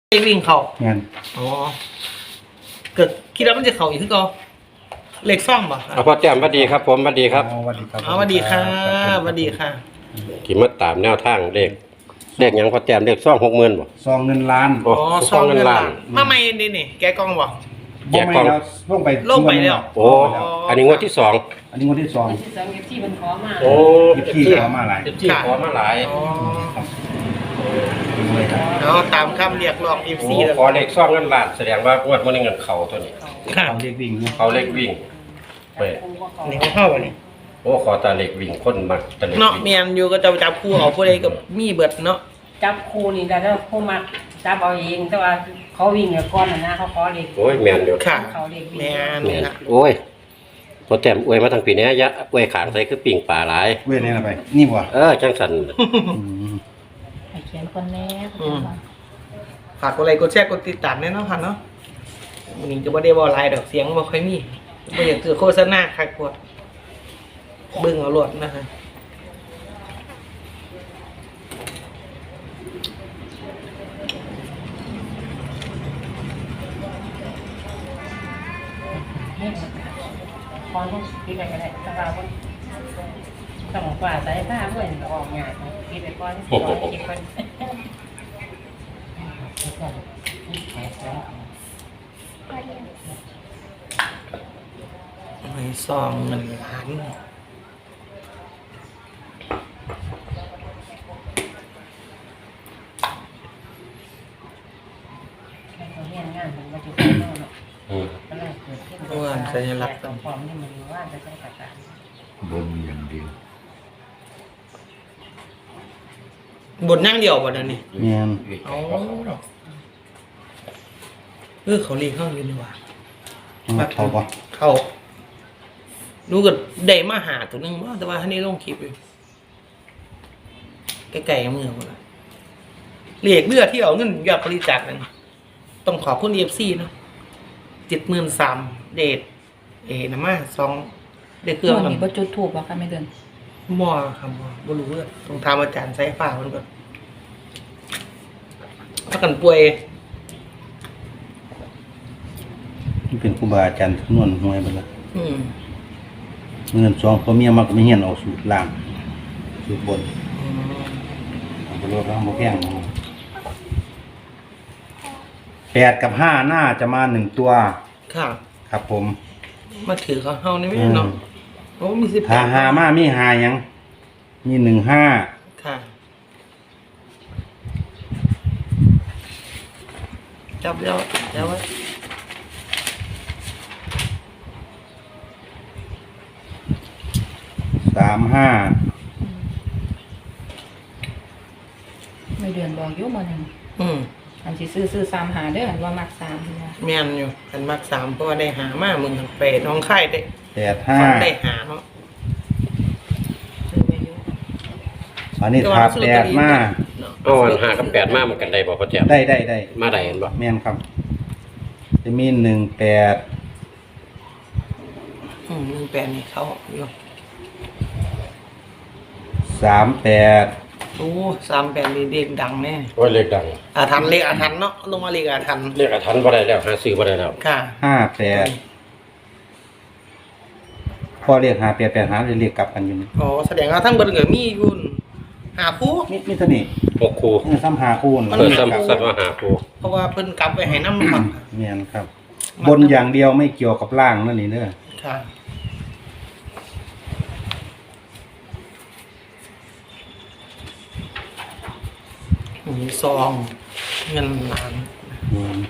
ไอ้วิ่งเข่างั้นอ๋อเกิดคิดว่ามันจะเข่าอีกคือก็เหล็กซ่อมป่ะพ่อแจ่มสวัสดีครับผมสวัสดีครับสวัสดีครับอ๋อสวัสดีค่ะสวัสดีค่ะขี่มาตามแนวทางเลขหยังพ่อแจ่มเลขซ่อง60,000บ่ซองเงินล้านโอ้อ๋อซ่องเงินล้านมาใหม่นี่แกกล้องบ่แจกกล่องลงไปลงไปแล้วโอ้อันนี้งวดที่สองอันนี้งวดที่สองที่สองที่มันขอมาโอ้ที่ขอมาหลายที่ขอมาหลายอ๋อครับเอาตามคำเรียกร้องโอ้ FC แล้วขอเลขซ่องเงินล้านแสดงว่างวดมื้อนี้เงินเข้าตัวนี้ค่ะเอาเด็กวิ่งนะเขาเลขวิ่งเว้ยนี่เขาเข้าบ่นี่โอ้ขอแตาเลขวิ่งคนมักแตาเลขเนาะวิ่งเมียนอยู่ก็จะจับคู่เอาผู้ใดกับมีเบิดเนาะจับครูนี่แล้วผู้มาจับเอาเองแต่ว่าเขาวิ่งกับก้อนนะเขาขอเด็กโอ้ยแม่นอยู่ค่ะเขาเด็กวิ่งแม่นแม่นค่ะโอ้ยพ่อแจ่มอวยมาทั้งปีนี้ยะอวยขางใส่คือปิ่งปลาหลายเว้ยนี่นะไปนี่บ่จังสันไอ้เขียนคนแน่ฝากกดไลค์กดแชร์กดติดตามแน่นอนค่ะเนาะวันนี้จะบ่ได้บ่ไลน์ดอกเสียงบ่ค่อยมีบ่อยากคือโฆษณาคักกว่าเบิ่งเอาโลดนะคะคอนต้องคิดอะไรกันได้แต่ว่าต้องกว่าสายผ้าเพื่อนออกงานคิดไปก้อนคิดก้อนไม่ซองเงินล้านเขาเรียนงานมันมาจุดเนาะอืมก็เลยเกิดขึ้นต้องพร้อมที่มันว่าจะต้องประกาศบนอย่างเดียวบทนั่งเดียวบ่เดี๋ยวนี้แม่นเอาเขาเรียกเข้าอยู่นี่หว่ามาเขาบ่เข้ารู้ก็ได้มาหาตัวหนึงว่าแต่ว่าท่านนี้ลงคลิปอยู่ใกล้ๆมือคนละเรียกเลือดที่เอาเงินยอดบริจาคนั่นต้องขอบคุณ EFC เนาะ73,000เดทน้ำมา2ได้เครื่องวันกันนี้บ่จุดถูกบ่ค่ะไม่เดินมอครับบ่รู้เลยต้องถามอาจารย์ไซฟ้ามันก่อนถ้ากันป่วยนี่เป็นครูบาอาจารย์คำนวณหวยเบิดละอืมเงินสองพ่อเมียมักไม่เฮียนเอาสูตรล่างสูตรบนเอาไปรวบแล้วบ่แพง8กับ5น่าจะมา1ตัวค่ะครับผมมาถือเขาเฮานี่ไม่เนาะโอ้มี18 ถ้าหามามีหาหยังมี15 ค่ะ จับแล้วไว้ 35 ไม่เดือนบอกอยู่มื้อนึงอืมอันสิซื้อ3หาเด้ออันว่ามัก3นี่ว่าแม่นอยู่กันมัก3เพราะว่าได้หามามึงไปน้องไข่ได้ได้หาเนาะซื้อไว้อยู่อันนี้ถาแปดมาเอาอัน5กับ8มามันกันได้บ่พ่อแจ่มได้มาได้เห็นบ่แม่นครับ จะมี18 18นี่เขาอยู่ 38 โอ้38นี่เด็กดังแน่โอ้ยเลขดังอาถรรพ์เลขอาถรรพ์เนาะลงมาเลขอาถรรพ์เลขอาถรรพ์บ่ได้แล้วหาซื้อบ่ได้แล้วค่ะ 58พอเรียก58หาเรียกกลับกันอยู่นี่อ๋อแสดงว่าทั้งเบิดก็มีอยู่หาคู่มีเท่านี้ 6คู่นี่ซ้ำหาคูณมันเพิ่นมีซ้ำว่าหาคู่เพราะว่าเพิ่นกลับไปให้น้ำครับแม่นครับ บนอย่างเดียวไม่เกี่ยวกับล่างนั่นนี่เด้อค่ะมีซองเงินล้านอืม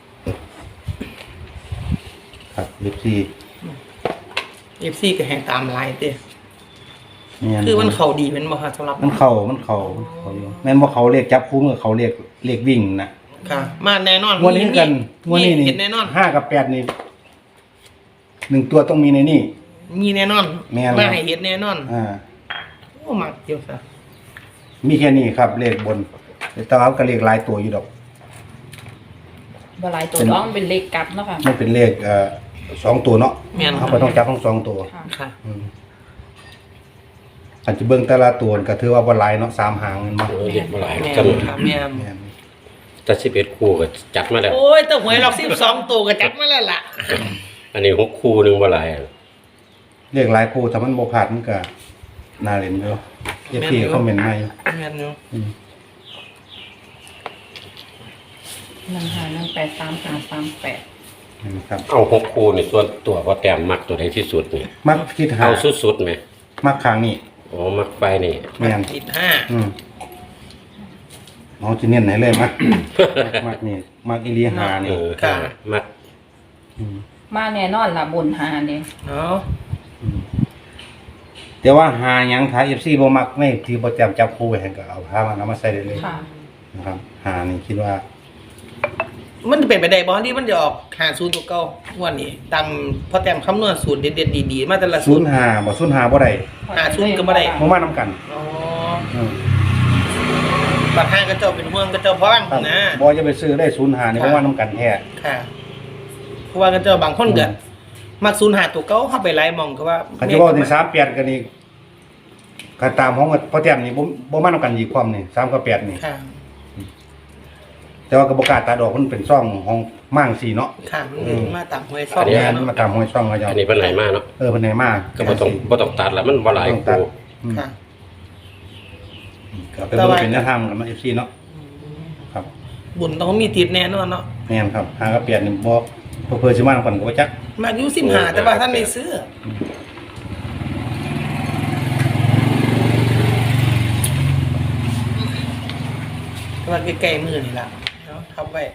ครับ14 FC ก็ให้ตามไลน์เด้แม่นคือมันเข้าดีแม่นบ่ครับสำหรับมันเข้าอยู่แม่นบ่เขาเรียกจับคู่มือเขาเรียกวิ่งนะค่ะ มาแน่นอนงวดนี้กันงวดนี้นี่เห็นแน่นอน 5กับ8นี่1ตัวต้องมีในนี่มีแน่นอนแม่นมาให้เห็นแน่นอนอ่าโอ้มักเดียวซะมีแค่นี้ครับเลขบนแต่ว่าก็เลขหลายตัวอยู่ดอกบ่หลายตัวน้องเป็นเลขกลับเนาะค่ะมันเป็นเลข2ตัวเนาะแม่นเขาก็ต้องจับทั้ง2ตัวค่ะค่ะอาจจะเบิ่งแต่ละตัวก็ถือว่าบ่หลายเนาะ3หางแม่นบ่โอ้ยเลขบ่หลายแม่กันค่ะแม่แม่นแต่11คู่ก็จัดมาแล้วโอ้ยแต่หวยหลอก12ตัวก็จัดมาแล้วล่ะอันนี้6คู่หนึงบ่หลายอะเรียกหลายคู่ถ้ามันบ่พลาดมันก็น่าเล่นอยู่เอฟซีคอมเมนต์มาอยู่แม่นอยู่ 15183538 นะครับเอา6คู่นี่ส่วนตัวพอแต้มมักตัวใดที่สุดนี่มักคิดหาเอาสุดๆไหมมักข้างนี้อ๋อมักไปนี่แม่นติดน้องจะเน้นให้เลยมัก มักนี่มักอีหลีหาเอนี่อค่ะมักมาแน่นอนล่ะบนหาเนี่ย 5เนาะแต่ว่าหาหยังถ้า FC บ่มักไม่ที่บ่จำจับคู่ไว้ให้ก็เอาพามันเอามาใส่ได้เลยค่ะนะครับหานี่คิดว่ามันเป็นไปได้บ่ที่มันจะออก50ตัวเก่างวดนี้ตามพอแต้มคำนวณสูตรเด็ดๆดีๆมาแต่ละสูตร 05บ่05บ่ได้ 50ก็บ่ได้บ่มานํกันอ๋ออืมบัดห้างก็เจ้าเป็นห่วงก็เจ้าพ้องครับนะบ่จะไปซื้อได้05นี่บ่มานํกันแท้ค่ะเพราะว่าก็เจ้าบางคนก็มัก05ตัวเก่าเข้าไปไล่มองก็ว่าคันสิเว้าที่38กันนี่ก็ตามของพอแต้มนี่บ่มานํกันอีกความนี่3กับ8นี่ค่ะแต่ว่าก็บ่กล้าตัดออกมันเป็นซ่องของมั่งสีเนาะค่ะมันมาตามหวยซ่ออังนนี้แล้วมันเนาะมาตามห้วยช่องเขาเจ้าอันนี้เป็นไหนมาเนาะเพิ่นไหนมาก็บ่ต้องตัดละมันบ่หลายต้องตัดคู่อืมค่ะก็เป็นบ่เป็นแนวทางกันเนาะ FC เนาะครับบุญต้องมีติดแน่นอนเนาะแม่นครับหากับเปลี่ยนนี่บ่เพิ่นสิมากันก็บ่จักมาอยู่15แต่ว่าท่านไม่ซื้อแต่ว่าใกล้ๆมือนี่ล่ะเนาะทับไว้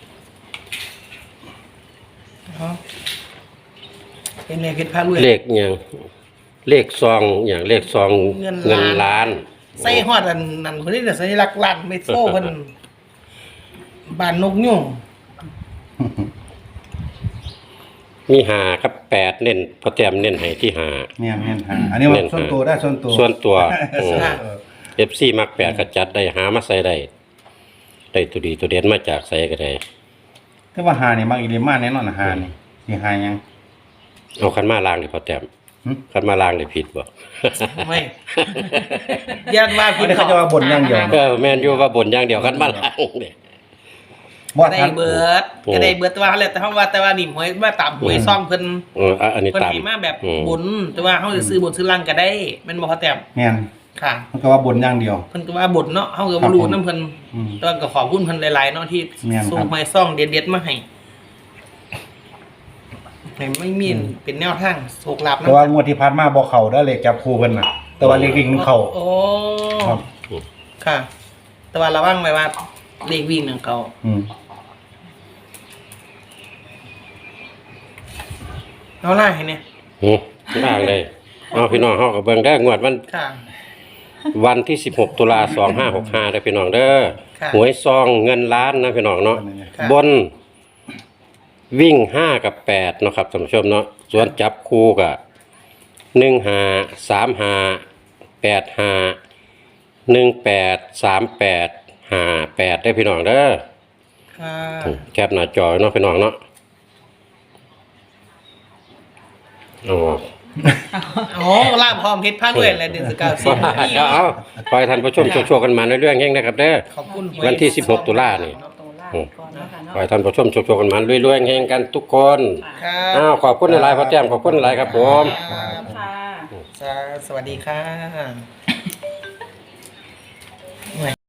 เนาะเป็นไงเพชรพารวยเลขหยังเลขซองอย่างเลขซองเงิเงินนล้าล้าน นใส่ฮอดอันนั่นคนนี้น่ะสัญลักษณ์ล้านเมโทรเพิ่นบ้านนกยุ่งมี5กับ8เน้นพอแต้มเน้นให้ที่5 แม่นหาอันนี้ว่าส่วนตัวได้ส่วนตัวส่วนตัวอืมค่ะ FC มัก8ก็จัดได้หามาใส่ได้ตัวดีตัวเด่นมาจากใส่ก็ได้แต่ว่าหานี่มักอีหลีมาแน่นอนหานี่สิหาหยังเอาคันมาล้างดิพอแต้มหึคันมาล้างได้ผิดบ่ไม่ยันว่าอัพี่นนี้เขาจะว่าบ่นอย่างเดียวเออแม่นอยู่ว่าบนอย่างเดียวคันมาล้างเด้บ่ได้ทันเบิดก็ได้เบิดแต่ว่าแล้วแต่เฮาว่าแต่ว่านี่หวยว่าตามหวยซ่องเพิ่นอันนี้เพิ่นตามให้มาแบบบุญแต่ว่าเฮาจะซื้อบุญซื้อล่างก็ได้แม่นบ่พอแต้มแม่นค่ะมันก็ว่าบ่นอย่างเดียวเพิ่นก็ว่าบุญเนาะเฮาก็บ่รู้นํเพิ่นอืมแต่ว่าก็ขอบคุณเพิ่นหลายๆเนาะที่แม่นครับส่งหวยซ่องเด็ดๆมาให้ให้ไม่มีเป็นแนวทางโชคลาภแต่ว่างวดที่ผ่านมาบ่เข้าเด้อเลขจับคู่เพิ่นน่ะ แต่ว่าเลขวิ่งมันเข้าโอ้ครับค่ะ แต่ว่าระวังไว้ว่าเลขวิ่งของเขาอืมเอาล่ะให้เนี่ยล้างเลยเอาพี่น้องเฮาก็เบิ่งได้งวดค่ะวันที่16ตุลา2565ได้อพี่น้องเด้อค่ะหวยซองเงินล้านนะพี่น้องเนาะค่ะบนวิ่ง5กับ8เนาะครับท่านผู้ชมเนาะส่วนจับคู่ก็15 35 85 18 38 58ได้อพี่น้องเด้อค่ะแคปหน้าจอเนาะพี่น้องเนาะอ๋อโอ้ล่ามพร้อมเพชรพาด้วยอะไรเดือนสกาวสิเอาขอให้ท่านผู้ชมโชคๆกันมาเรื่อยๆแห่งนะครับเด้อขอบคุณหยวันที่16ตุลานี่ตัวล่างก่อนนะคะขอเนาะให้ท่านผู้ชมโชคๆกันมาเรื่อยๆแห่งกันทุกคนค่ะอ้าวขอบคุณหลายๆพ่อแจ้มขอบคุณหลายครับผมค่ะสวัสดีค่ะ